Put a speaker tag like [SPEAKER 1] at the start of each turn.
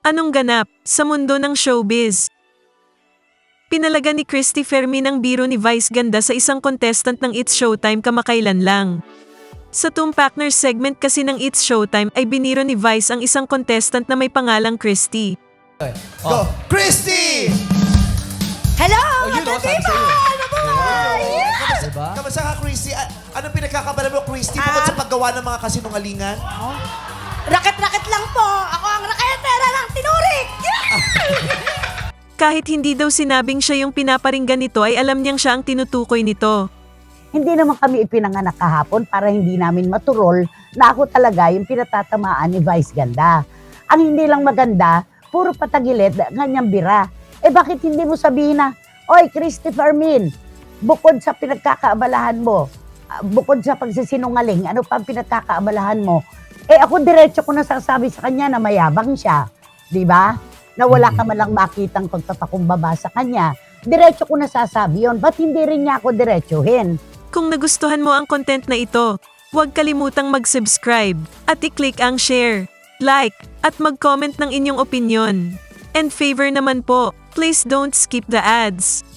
[SPEAKER 1] Anong ganap sa mundo ng showbiz? Pinalaga ni Christy Fermin ang biro ni Vice Ganda sa isang contestant ng It's Showtime kamakailan lang. Sa Tumpakner segment kasi ng It's Showtime ay biniro ni Vice ang isang contestant na may pangalang Christy.
[SPEAKER 2] Go! Christy!
[SPEAKER 3] Hello!
[SPEAKER 2] Yun, sabi
[SPEAKER 3] Katiba!
[SPEAKER 2] sa'yo.
[SPEAKER 3] Nabuhay! Yes!
[SPEAKER 2] Diba? Kamusta ka, Christy? Anong pinagkakabala mo, Christy, bukod sa paggawa ng mga kasinungalingan?
[SPEAKER 3] Raket-raket lang po! Ako ang raketera ng tinurik!
[SPEAKER 1] Kahit hindi daw sinabing siya yung pinaparinggan nito ay alam niyang siya ang tinutukoy nito.
[SPEAKER 4] Hindi naman kami ipinanganak kahapon para hindi namin maturol na ako talaga yung pinatatamaan ni Vice Ganda. Ang hindi lang maganda, puro patagilid, ganyang bira. Bakit hindi mo sabihin na, Oy, Christy Fermin, bukod sa pinagkakaabalahan mo, bukod sa pagsisinungaling, ano pa ang pinagkakaabalahan mo? Ako diretso ko nasasabi sa kanya na mayabang siya. Di ba? Na wala ka man lang makitang pagpapakumbaba sa kanya. Diretso ko nasasabi yun. Ba't hindi rin niya ako diretsuhin?
[SPEAKER 1] Kung nagustuhan mo ang content na ito, huwag kalimutang mag-subscribe at i-click ang share, like, at mag-comment ng inyong opinion. And favor naman po, please don't skip the ads.